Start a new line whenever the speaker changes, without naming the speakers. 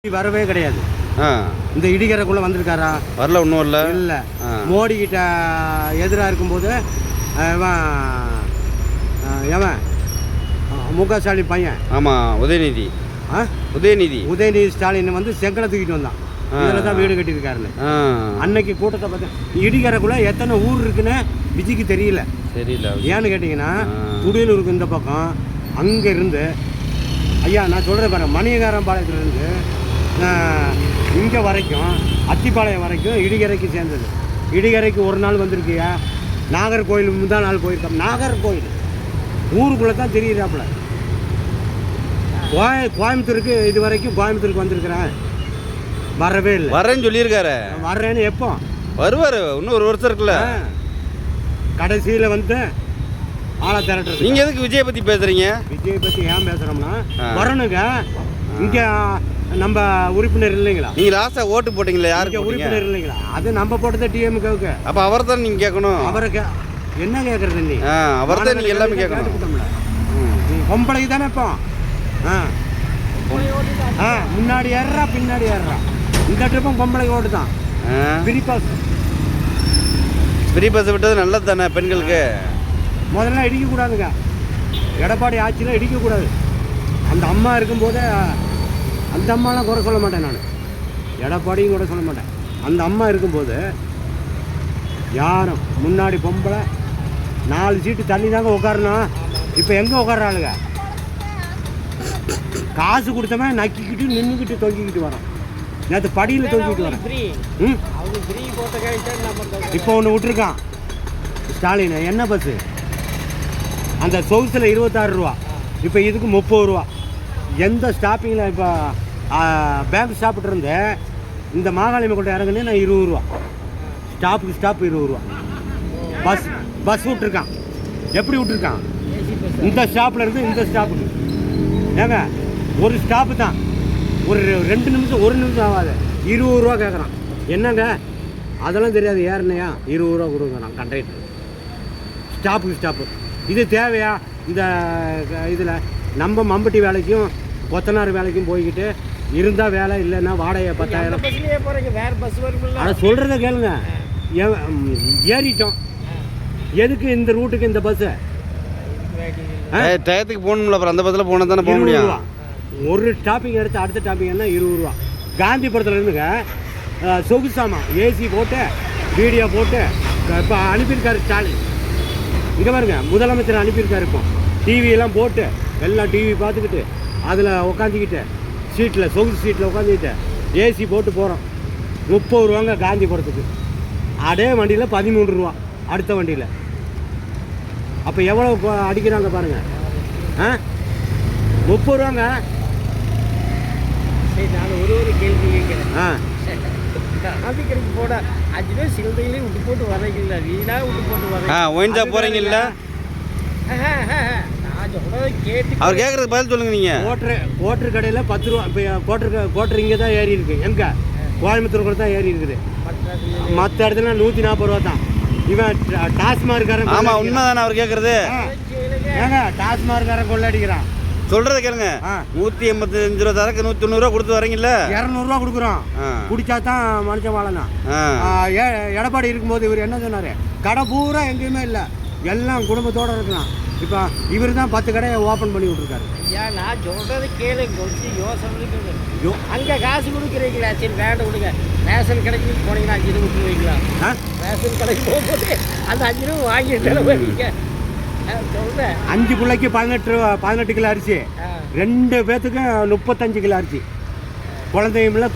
வரவே கிடையாது. இந்த இடிகரைக்குள்ள வந்திருக்காரா?
வரல, ஒன்றும் இல்லை.
இல்லை, மோடி கிட்ட எதிராக இருக்கும்போது எவன் முக ஸ்டாலின் பையன்.
ஆமாம், உதயநிதி.
உதயநிதி ஸ்டாலின் வந்து செங்கலை தூக்கிட்டு வந்தான். இதில் தான் வீடு கட்டியிருக்காருன்னு அன்னைக்கு கூட்டத்தை பார்த்து. இடிகரைக்குள்ள எத்தனை ஊர் இருக்குன்னு விஜய்க்கு தெரியல. ஏன்னு கேட்டிங்கன்னா, துடியலூருக்கு இந்த பக்கம் அங்கே இருந்து ஐயா நான் சொல்கிறேன் பாருங்க, மணியகாரம் பாளையத்துலேருந்து இங்கே வரைக்கும் அத்திப்பாளையம் வரைக்கும் இடிகரைக்கு சேர்ந்தது. இடிகரைக்கு ஒரு நாள் வந்திருக்கியா? நாகர்கோயில் முந்தா நாள் போயிருக்கோம். நாகர்கோயில் ஊருக்குள்ளே தான் தெரியுறாப்புல. கோயம்புத்தூருக்கு இது வரைக்கும் கோயம்புத்தூருக்கு வந்திருக்கிறேன், வரவே இல்லை.
வரேன்னு சொல்லியிருக்காரு.
வர்றேன்னு எப்போ
வருவார்? இன்னும் ஒரு வருஷம் இருக்குல்ல.
கடைசியில் வந்து ஆளை திரட்டுறது.
நீங்கள் எதுக்கு விஜயை பற்றி பேசுகிறீங்க?
விஜயை பற்றி ஏன் பேசுகிறோம்னா, வரணுங்க. இங்கே நம்ம உறுப்பினர் இல்லைங்களா?
நீங்கள் லாஸ்ட்டாக ஓட்டு போட்டிங்களா? யாருக்கு
உறுப்பினர் இல்லைங்களா? அது நம்ம போட்டது டிஎம்கேவுக்கு.
அப்போ அவர் தான் நீங்கள் கேட்கணும்.
அவருக்கு என்ன கேட்குறது? நீ
அவர் தான் நீங்கள் எல்லாமே கேட்கணும்.
பொம்பளைக்கு தானே இப்போ. முன்னாடி ஏறுறா பின்னாடி ஏறுறா. இந்த ட்ரிப்பும் பொம்பளைக்கு ஓட்டு தான்.
ஃப்ரீ பஸ் விட்டது நல்லது தானே பெண்களுக்கு?
முதல்ல இடிக்கக்கூடாதுங்க. எடப்பாடி ஆட்சியில் இடிக்கக்கூடாது. அந்த அம்மா இருக்கும்போதே அந்த அம்மாலாம் குறை சொல்ல மாட்டேன் நான். எடப்பாடியும் கூட சொல்ல மாட்டேன். அந்த அம்மா இருக்கும்போது யாரும் முன்னாடி பொம்பளை 4 சீட்டு தள்ளி தாங்க உட்காரணும். இப்போ எங்கே உட்காராளுங்க? காசு கொடுத்தவன் நக்கிக்கிட்டு நின்றுக்கிட்டு தொங்கிக்கிட்டு வரோம். நேற்று படியில் தொங்கிக்கிட்டு வரேன். இப்போ ஒன்று விட்டுருக்கான் ஸ்டாலின். என்ன பஸ்ஸு? அந்த சொகுசில் 26 ரூபா, இப்போ இதுக்கு 30 ரூபா. எந்த ஸ்டாப்பிங்கில் இப்போ பேங்க் ஸ்டாப்பிட்டு இருந்து இந்த மாகாளியம்மன் கொண்டு இறங்குனே நான் 20 ரூபா. ஸ்டாப்புக்கு ஸ்டாப் 20 ரூபா. பஸ் விட்டுருக்கான். எப்படி விட்டுருக்கான்? இந்த ஸ்டாப்பில் இருந்து இந்த ஸ்டாப்புக்கு ஏங்க ஒரு ஸ்டாப்பு தான். ஒரு 2 நிமிஷம் 1 நிமிஷம் ஆகாது. 20 ரூபா கேட்குறான். என்னங்க அதெல்லாம் தெரியாது. ஏறினையா 20 ரூபா கொடுக்குறான் கண்டக்டர். ஸ்டாப்புக்கு ஸ்டாப்பு. இது தேவையா? இந்த இதில் நம்ம மம்பட்டி வேலைக்கும் கொத்தனார் வேலைக்கும் போய்கிட்டு இருந்தால் வேலை, இல்லைன்னா வாடகை 10,000. அதை சொல்கிறத கேளுங்க. ஏறிட்டோம். எதுக்கு இந்த ரூட்டுக்கு இந்த பஸ்ஸு?
டயத்துக்கு போகணும்ல, அப்புறம் அந்த பஸ்ஸில் போனால் தானே போக முடியும்.
ஒரு ஸ்டாப்பிங் எடுத்து அடுத்த ஸ்டாப்பிங் என்ன 20 ரூபா. காந்திபுரத்தில் இருந்துங்க சொகுசாமா ஏசி போட்டு வீடியோ போட்டு இப்போ அனுப்பியிருக்காரு ஸ்டாலின். இங்கே பாருங்க, முதலமைச்சர் அனுப்பியிருக்காரு. இப்போ டிவியெல்லாம் போட்டு எல்லாம் டிவி பார்த்துக்கிட்டு அதில் உட்காந்துக்கிட்டு சீட்டில் சொகுசு சீட்டில் உட்காந்துக்கிட்டு ஏசி போட்டு போகிறோம். 30 ரூபாங்க காந்திபுரத்துக்கு. அதே வண்டியில் 13 ரூபா அடுத்த வண்டியில். அப்போ எவ்வளோ அடிக்கிறாங்க பாருங்கள். 30 ரூபாங்க.
சரி, நான் ஒரு கேள்வி கேட்குறேன். காந்திக்கரைக்கு போட 5 பேர் சிலந்தையிலையும் விட்டு போட்டு வரீங்களா? வீணாக விட்டு போட்டு வரீங்க.
ஒயின் ஷாப் போகிறீங்கல்ல?
நான் சொல்கிறத கேட்டு
அவர் கேட்குறதுக்கு பதில் சொல்லுங்கள். நீங்கள்
கோட்ரு கடையில் 10 ரூபா. இப்போ கோட்ரு இங்கே தான் ஏறி இருக்குது. எங்கே? கோயம்புத்தூர் கூட தான் ஏறி இருக்குது. மற்ற இடத்துல 140 ரூபா தான். இவன் டாஸ்மார்க்காரன்.
ஆமாம், உண்மை தானே அவர் கேட்குறது.
ஏங்க டாஸ்மார்க்காரன் கொள்ளடிக்கிறான்.
சொல்கிறத கேளுங்க. 185 ரூபா தரக்கு 190 ரூபா கொடுத்து வரீங்கல்ல?
200 ரூபா கொடுக்குறோம். குடிச்சா தான் மனுஷன் வாழலாம். எடப்பாடி இருக்கும்போது இவர் என்ன சொன்னார்? கடை பூரா எங்கேயுமே இல்லை, எல்லாம் குடும்பத்தோடு இருக்கலாம். இப்போ இவர் தான் 10 கடையை ஓப்பன் பண்ணி விட்ருக்காரு.
ஏன் நான் சொல்கிறது கேளு, கொஞ்சம் யோசனை இருக்குது. அங்கே காசு கொடுக்குறீங்களா? சரி வேண்டாம் கொடுங்க. ரேஷன் கடைக்கு போனீங்கன்னா 5 ரூபா விட்டுருவீங்களா? ரேஷன் கடைக்கு போகும்போது அந்த 5 ரூபா வாங்கிட்டு போவீங்க. சொல்கிறேன்,
5 பிள்ளைக்கு 18 கிலோ அரிசி, 2 பேர்த்துக்கு 35 கிலோ அரிசி. குழந்தையும்